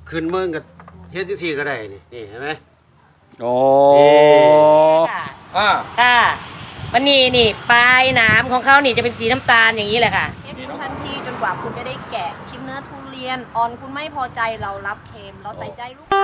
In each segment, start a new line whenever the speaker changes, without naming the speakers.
ขึ้นเมืองกับเฮ็ดที่ก็ได้นี่เห็นไหม
โอ้
ค่ะวันนี้นี่ปลายหนามของเขานี่จะเป็นสีน้ำตาลอย่างนี้แหละค่ะ
ทันทีจนกว่าคุณจะได้แกะชิมเนื้อทุเรียนอ่อนคุณไม่พอใจเรารับเค็มเราใส่ใจลูก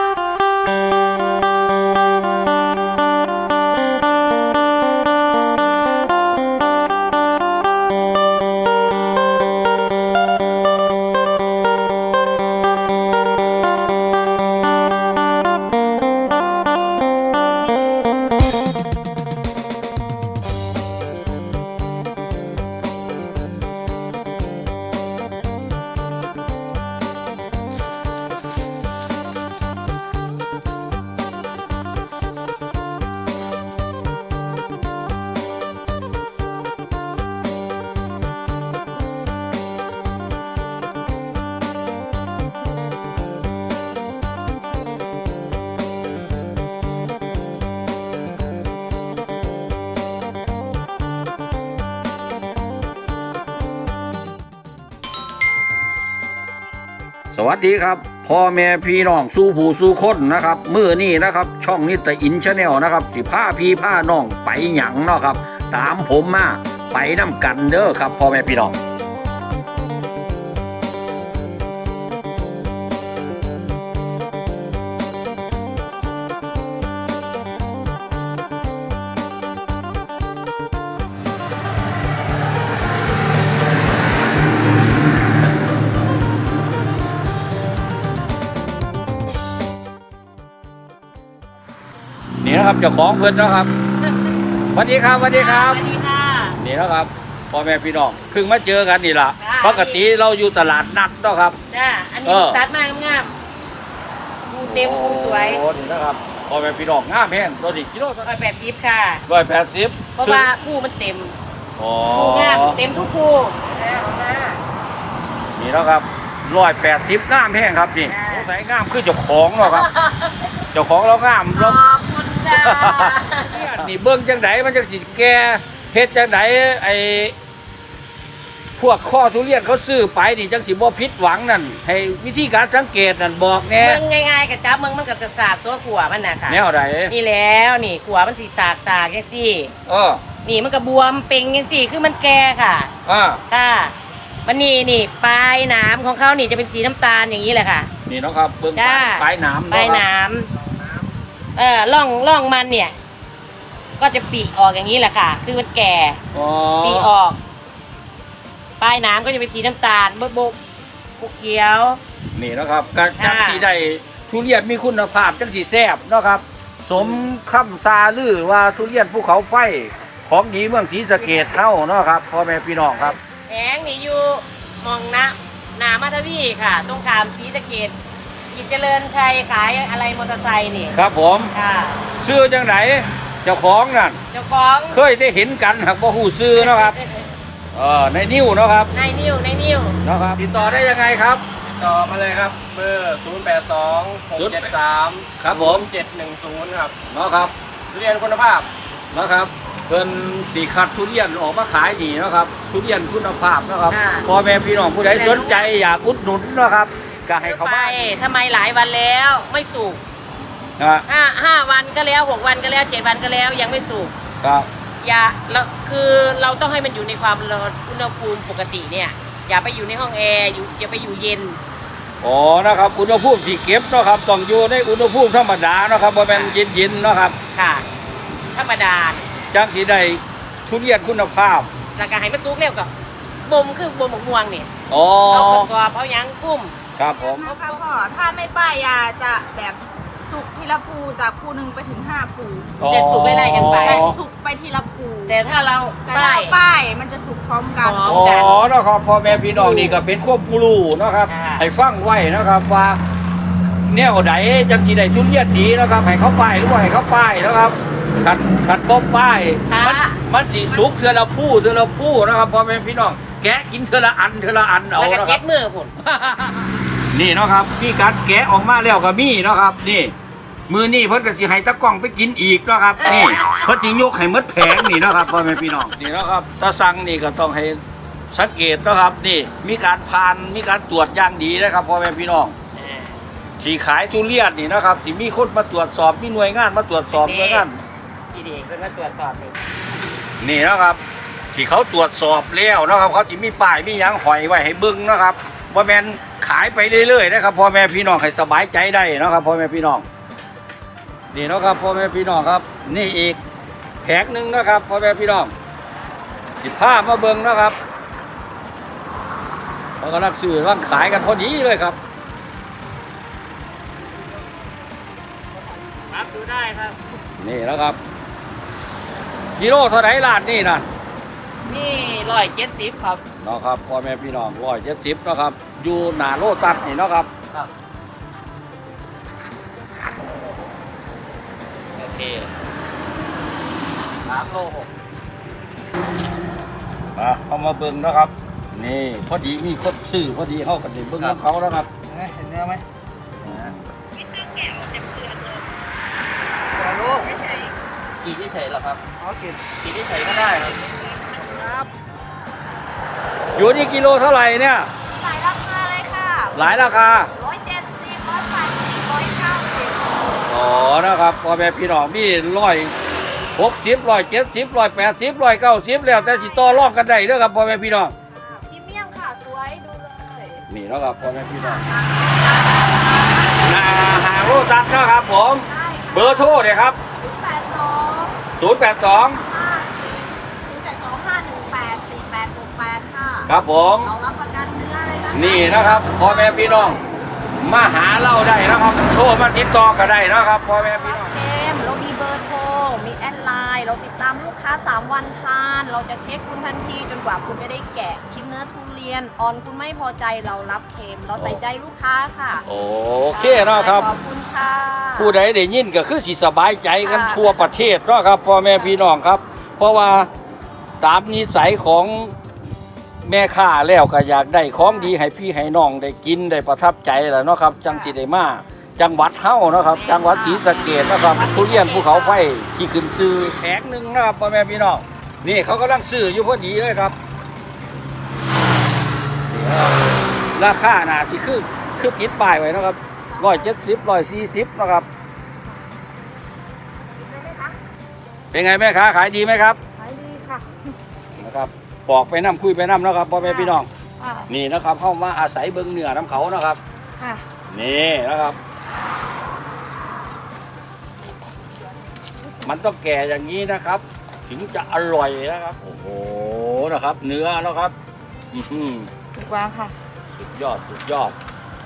สวัสดีครับพ่อแม่พี่น้องสู้ผู้สู้คนนะครับมื้อนี้นะครับช่องนิตอินชาแนลนะครับสิพาพี่พาน้องไปหยังเนาะครับตามผมมาไปน้ำกันเด้อครับพ่อแม่พี่น้องนี่นะครับเจ้าของเพื่อนนะครับสวัสดีครับสวัสดีครับนี่นะครับพ่อแม่พี่น้องเพิ่งมาเจอกันนี่ล่ะปกติเราอยู่ตลาดนัดเนาะครับ
จ้าอันนี้ตัดมางามดูเต็มดูสวย
โอ้นี่นะครับพ่อแม่พี่น้องงามแห้งตัวนี้กิโล
180ค่ะ
180
เพราะว่าคู่มันเต็มคู่งามเต็มทุกคู่
นี่แล้วครับ180งามแห้งครับนี่สงสัยงามคือเจ้าของเนาะครับเจ้าของเรางามเรานี่เบิ้งจังไดมันจังสิแก่เฮ็ดจังไดไอ้พวกข้อทุเรียนเขาซื้อไปนี่จังสิบ่ผิดหวังนั่นให้วิธีการสังเกตนั่นบอกแน่
เบิ้งง่ายๆกับจับมึงมันกับสากตัวขัวมันน่ะค่ะ
แนวใด
นี่แล้วนี่ขัวมันสีสากจังซี่นี่มันก็บวมเป่งจังซี่คือมันแก่ค่ะค่ะวันนี้นี่ปลายหนามของเขานี่จะเป็นสีน้ำตาลอย่างนี้แหละค่ะ
นี่เนาะครับเบิ้งปลายหนาม
ปลายหนามร่องมันเนี่ยก็จะปีออกอย่างนี้แหละค่ะคือมันแก่ปีออกปลายหนามก็จะเป็นสีน้ำตาลบุกเขียว
นี่นะครับการที่ได้ทุเรียนมีคุณภาพจังสีแซ่บเนาะครับสมคำซาลือว่าทุเรียนภูเขาไฟของดีเมืองศรีสะเกษเท่าเนาะครับพ่อแม่พี่น้องครับ
แผงนี่อยู่มองนามาทวีค่ะตรงขามศรีสะเกษกิจเจริญชัยขายอะไรมอเตอร์ไซค์นี่
ครับผมซื้อจังไหนเจ้าของนั่น
เจ้าของ
เคยได้เห็นกันครับว่าหูซื้อเนาะครับในนิ้วเนาะครับ
ในนิ้ว
นะครับติดต่อได้ยังไงครับ
ติดต่อมาเลยครับเบอร์082673
ครับผม
710ครับ
เนาะครับ
ทุเรียนคุณภาพ
นะครับเพิ่นสีคัดทุเรียนออกมาขายดีเนาะครับทุเรียนคุณภาพนะครับพ่อแม่พี่น้องผู้ใดสนใจอยากอุดหนุนเนาะครับก็ให้เขาไป
ทำไมหลายวันแล้วไม่สุก5 วันก็แล้ว6 วันก็แล้ว7 วันก็แล้วยังไม่สุก
ครับ
คือเราต้องให้มันอยู่ในความร้อนอุณหภูมิปกติเนี่ยอย่าไปอยู่ในห้องแอร์อย่าไปอยู่เย็น
นะครับอุณหภูมิที่เก็บเนาะครับต้องอยู่ในอุณหภูมิธรรมดาเนาะครับบ่แม่นเย็นๆเนาะครับ
ค่ะธรรมดา
จังสิได้ทุเรียนคุณภาพ
แล้วก็ให้มันสุกเร็วกับบ่มคือบ่มหมกม่วงนี่เอากรอบเอายังกุ้ม
ครับผม
ค่ะพ่อถ้าไม่ป้ายยาจะแบบสุกทีละภูจากภู1ไปถึง5ภู
แต่สุกไล่ๆกันไป
สุกไปทีละภู
แต่ถ้าเรา
ป้ายมันจะสุกพร้อมกัน
นะครับพ่อแม่พี่น้องนี่ก็เป็นควบรู้นะครับให้ฟังไว้นะครับว่าแนวใดจังสิได้ทุเรียนดีนะครับให้เขาป้ายหรือว่าให้เขาป้ายนะครับขัดบ่ป้ายมันสิสุกเทื่อละผู้นะครับพ่อแม่พี่น้องแกะกินเทื่อละอันเอา
แล้วก็เจ็ดมือพุ่น
นี่เนาะครับพี่กัดแกะออกมาแล้วก็มีเนาะครับนี่มือนี่เพิ่นก็สิให้ตะกล้องไปกินอีกเนาะครับนี่เพิ่นสิยกให้หมดแผงนี่เนาะครับพ่อแม่พี่น้องนี่เนาะครับตาสั่งนี่ก็ต้องให้สังเกตเนาะครับนี่มีการผ่านมีการตรวจอย่างดีนะครับพ่อแม่พี่น้องที่ขายทุเรียนนี่นะครับที่มีคนมาตรวจสอบมีหน่วยงานมาตรวจสอบหน่วยงาน
ที่ดีเพิ่นมาตรวจสอบนี่
นี่นะครับที่เขาตรวจสอบแล้วนะครับเขาที่มีป้ายมีหยังหอยไว้ให้เบิ้งนะครับว่าแมนขายไปเรื่อยๆนะครับพ่อแม่พี่น้องให้สบายใจได้นะครับพ่อแม่พี่น้องนี่นะครับพ่อแม่พี่น้องครับนี่อีกแผงหนึ่งนะครับพ่อแม่พี่น้องสิผ้ามาเบิ้งนะครับเขากำลังซื้อกำลังขายกันพอดีเลยครับ
ครับดูได้ครับ
นี่นะครับกิโลเท่าไหร่ล้านนี่นะ
นี่170ครับ
นะครับพ่อแม่พี่น้อง170นะครับอยู่หน้าโลตัสนี่นะครับ
โอเค3โล6
เอามาเบิ่งนะครับนี่พอดีมีคนซื้อพอดีเข้ากันเบิ่งของเขาแล้วครับ
เห็นเนื้อไหม
กี่ที่เฉยเหรอครับ
อ๋อกิน
กี่ที่เฉยก็ได้ครับ
อยู่นี่กิโลเท่าไหร่เนี่ย
หลายราคาเลยค่ะ
หลายราคา
170 180 190
อ๋อนะครับพ่อแม่พี่น้องมี160 170 180 190แล้วแต่สิต่อรองกันได้เด้อครับพ่อแม่พี่น้อง
พรีเมียมค่ะสวยดูเลย
นี่นะครับพ่อแม่พี่น้องหน้าหาโลตัสนะครับผม
ได้
เบอร์โทรเลยครับ
82
082
082-518-4868 ค่ะ
ครับผม
เรารับประกันเนื้อเลยนะคะ
นี่นะครับพ่อแม่พี่น้องมาหาเราได้นะครับโทรมาติดต่อก็ได้นะครับพ่อแม่พี่น้อง
เกมเรามีเบอร์โทร มีแอดไลน์ เราติดตามลูกค้า 3 วันทาน เราจะเช็คคุณทันทีจนกว่าคุณจะได้แกะชิมเนื้อทุเรียน ออนคุณไม่พอใจเรารับเค็ม เราใส่ใจลูกค้าค่ะ
โอเคนะครับ
ขอบคุณค่ะ
ผู้ใดได้ยินก็คือสิสบายใจกันทั่วประเทศเนาะครับพ่อแม่พี่น้องครับ เพราะว่าตามนิสัยของแม่ค้าแล้วก็อยากได้ของดีให้พี่ให้น้องได้กินได้ประทับใจแหละเนาะครับจังสิได้มาจังหวัดเฮาเนาะครับจังหวัดศรีสะเกษนะครับทุเรียนภูเขาไฟที่ขึ้นซื้อแผงหนึ่งนะครับพ่อแม่พี่น้องนี่เขากำลังซื้ออยู่พอดีเลยครับนี่นะครับราคาน่ะสิคือติดป้ายไว้นะครับ170 140นะครับ เป็นไงแม่ค้าขายดีไหมครับ
ขายดีค่ะ
นะครับบอกไปน้ำคุยไปน้ำนะครับพ่อแม่พี่น้อง
ค่ะ
นี่นะครับเข้ามาอาศัยเบิ้งเหนือน้ำเขานะครับ
ค่ะ
นี่นะครับ มันต้องแก่อย่างนี้นะครับ ถึงจะอร่อยนะครับโอ้โหนะครับ เนื้อนะครับอื้อหือ
ถูกกว่าค่ะ
สุดยอดสุดยอด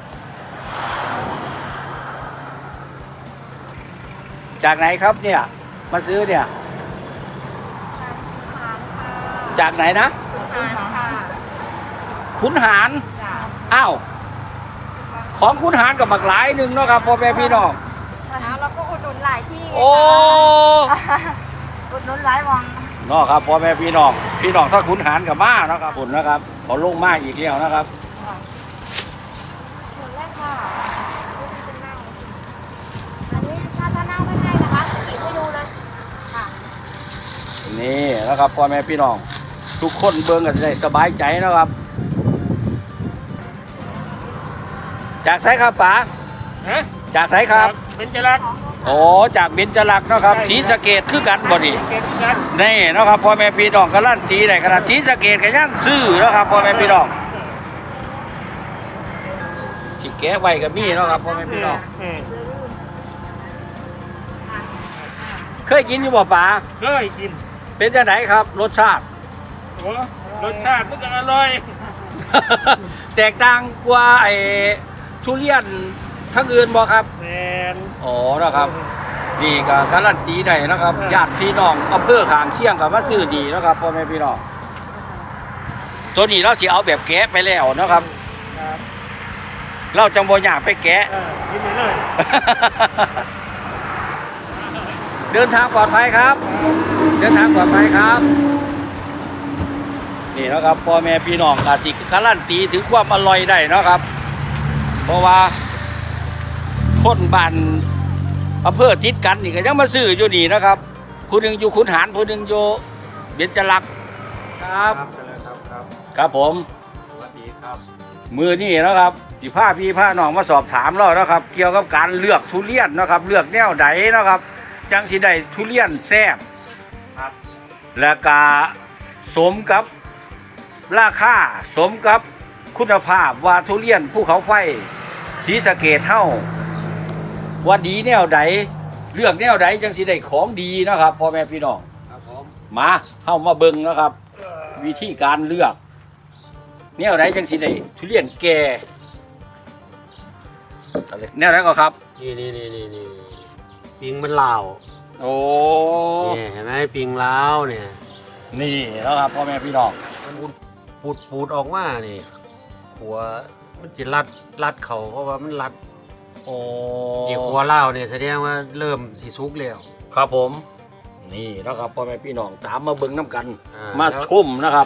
จากไหนครับเนี่ยมาซื้อเนี่ย จากไหนนะ
ค่ะ
ขุนหารอ้าวของขุนหารกับบักหลายหนึ่งเนาะครับพ่อแม่พี่น้อง
เราก็อุดหนุนหลายที่
โอ้
อุดหนุนหลายวัง
เนาะครับพ่อแม่พี่น้องถ้าขุนหารกับมาเนาะครับคุณนะครับเขาลงมาอีกแล้วนะครับ
หนุนแรกค่ะอันนี้ถ้านั่งไม่ให้นะคะขีดให้ดูเลยค่ะ
นี่นะครับพ่อแม่พี่น้องทุกคนเบิ่งกันได้สบายใจนะครับ จากไสครับป๋าจากไสครับ
เป็นจรัก
โอ้จากเบญจลักษณ์เนาะครับศรีสะเกษคือกันบ่นี่
เก็บกัน
นี่เนาะครับพ่อแม่พี่น้องการันตีได้ขนาดศรีสะเกษก็ยังซื้อเนาะครับพ่อแม่พี่น้องที่แกะไว้ก็มีเนาะครับพ่อแม่พี่น้องเคยกินอยู่บ่ป๋า
เคยกิน
เป็นจังไดครับรสชาติ
โอ้รสชาติมันก็อร่อย
แตกต่างกว่าไอ้ทุเรียนทั้งอื่นบ่ครับ
แมน
อ๋อนะครับนี่ก็การันตีได้นะครับญาติพี่น้องอำเภอข้างเคียงกับมาซื้อดีนะครับพ่อแม่พี่น้องตัวนี้เราสิเอาแบบแกะไปแล้วนะครับ
ครับ
เราจังบ่อยากไปแกะ
กินไปเลย
เดินทางปลอดภัยครับ เดินทางปลอดภัยครับนี่นะครับพ่อแม่พี่น้องอาจสิการันตีถึงความอร่อยได้นะครับ เพราะว่าคนบ้านอำเภอติดกันนี่ก็ยังมาซื้ออยู่นี่นะครับผู้หนึ่งอยู่ขุนหารผู้หนึ่งอยู่เบญจลักษณ์ครับ
ครับ
ครับผม
สวัสดีครับ
มือนี่นะครับสิพาพี่พาน้องมาสอบถามเรานะครับ เกี่ยวกับการเลือกทุเรียนนะครับ เลือกแนวใดนะครับ จังสิได้ทุเรียนแซ่บ
ครับ
และก็สมกับราคาสมกับคุณภาพว่าทุเรียนภูเขาไฟศรีสะเกษเฮาว่าดีแนวใดเลือกแนวใดจังสิได้ของดีนะครับพ่อแม่พี่น้อง
ครับผม
มาเฮามาเบิ่งนะครับ วิธีการเลือกแนวใดจังสิได้ทุเรียนแก่แนวไหนก็ครับ
นี่ปิงมันลาว
โอ้
เนี่ยเห็นไหมปิงลาวเนี่ย
นี่แล้วครับพ่อแม่พี่น้อง
มันปูดออกมานี่หัวมันจะรัดเขาเพราะว่ามันรัด
โอ้
นี่หัวลาวเนี่ยแสดงว่าเริ่มสีสุกแล้ว
ครับผม นี่นะครับพ่อแม่พี่น้องตามมาเบิ่งน้ำกัน
อ่า
มา
แล้ว
ชมนะครับ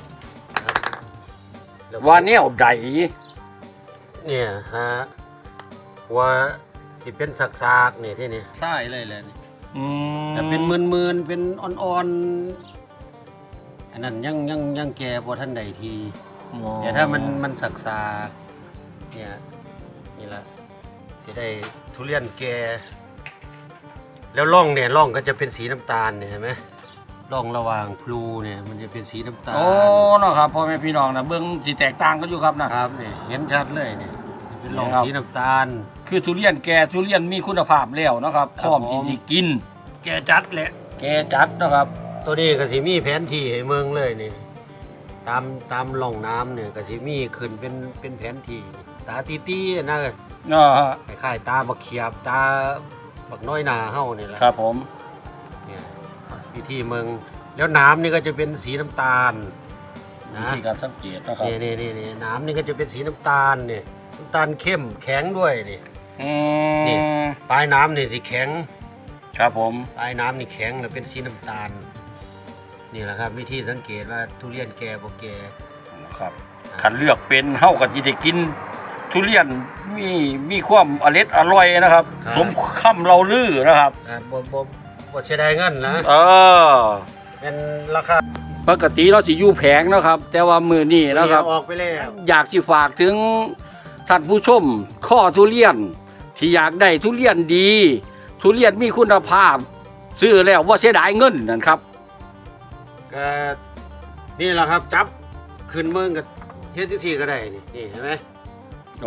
แล้ว
ว่าแนวใด
เนี่ยฮะหัวสิเป็นสักๆเนี่ยที่นี่ใช่เลยแหละนี่
อืม
แต่เป็นมืนๆเป็นอ่อนๆอันนั้นยังแก่พอท่านใดที แต่ถ้ามันสักเนี่ยนี่ละจะได้ทุเรียนแก่แล้วร่องเนี่ยร่องก็จะเป็นสีน้ำตาลเนี่ยเห็นไหมร่องระหว่างพลูเนี่ยมันจะเป็นสีน้ำตาล
โอ้เนาะครับพ่อแม่พี่น้องนะเบิ่งสิแตกต่างกันอยู่ครับนะครับ
เนี่ยเห็นชัดเลยเนี่ยเป็นร่อง
ครับ
สีน้ำตาล
คือทุเรียนแก่ทุเรียนมีคุณภาพแล้วนะครับพร้อมที่จะกิน
แก่จัดแหละ
แก่จัดนะครับ
ตัวนี้ก็สิมีแผนที่ให้เมืองเลยนี่ตามร่องน้ำเนี่ยก็สิมีขึ้นเป็นแผนที่ตาตีๆนะ
เนาะฮะ
คล้ายๆตาบักเขียบตาบักน้อยนาเฮานี่แหละ
ครับผม
เนี่ยวิธีเมืองแล้วน้ำนี่ก็จะเป็นสีน้ำตาล
วิ
นะ
ธีการสังเกตนะครับ
นี่น้ำนี่ก็จะเป็นสีน้ำตาลเนี่ยน้ำตาลเข้มแข็งด้วยนี่
อื
นี่
ม
ปลายน้ำนี่สีแข็ง
ครับผม
ปลายน้ำนี่แข็งแล้วเป็นสีน้ำตาลนี่แหละครับวิธีสังเกตว่าทุเรียนแก่บ่แก่
นะครับคันเลือกเป็นเฮาก็สิได้กินทุเรียนมีความอร่อยนะครับ สมคำเราลือนะครับ
บ่เสียดายเงินนะ
เออ
เป็นราคา
ปกติเราสิอยู่แผงนะครับ แต่ว่ามือนี้นะครับ
ออกไปแล้ว
อยากสิฝากถึงท่านผู้ชมข้อทุเรียน ที่อยากได้ทุเรียนดี ทุเรียนมีคุณภาพ ซื้อแล้วว่าเสียดายเงินนั่นครับ
ก็นี่แหละครับจับขึ้นเมืองกับเฮ็ดที่ก็ได้นี่เห็นไหม
โอ้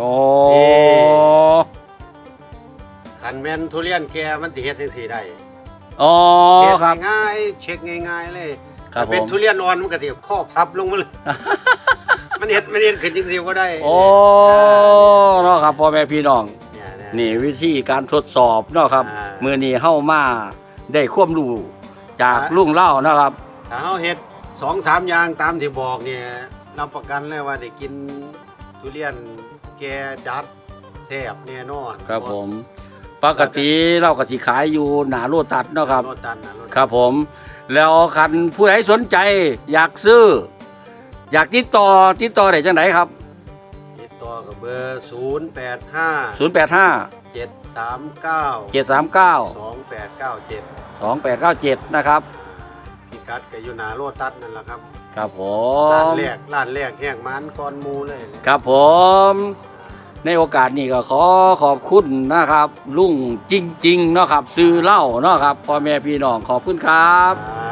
ขันแม่นทุเรียนแก่มันสิเฮ็ดจังซี่ได้
อ๋อ
เฮ็ด
ครับ
ง่ายๆเช็คง่ายๆเลย
ครับ
ถ้าเป็น
ผม
ทุเรียนอ่อนมันก็สิข้อพับลงมาเลย มันเฮ็ดขึ้นจังซี่ก็ได้
โอ้เนาะครับพ่อแม่พี่น้อง
เนี่ย
นี่วิธีการทดสอบเนาะครับ
อ่า
มือนี้เข้ามาได้ความรู้จากลุงเล่านะครับ
ถ้าเฮาเฮ็ด 2-3 อย่างตามที่บอกเนี่ยรับประกันเลยว่าได้กินทุเรียนแก่จัดแซ่บแน่นอน
ครับผมปกติเราก็สิขายอยู่หนาโลตัสเนาะครับ
โลตันนะโลตัน
ครับผม แล้วคันผู้ใดสนใจอยากซื้อ อยากติดต่อได้จังไหนครับ
ติดต่อกับเบอร์085
085
739
739
2897
2897นะครับ
พิกัดก็อยู่หน้าโลตัสนั่นแหละครับ
ครับผ
ร้าน
ม
แรกแห้งมันก่อนหมูเลย
ครับผม ในโอกาสนี้ก็ขอบคุณนะครับ ลุงจริงๆเนาะครับซื้อเหล้าเนาะครับพ่อแม่พี่น้องขอบคุณครับ
อ่า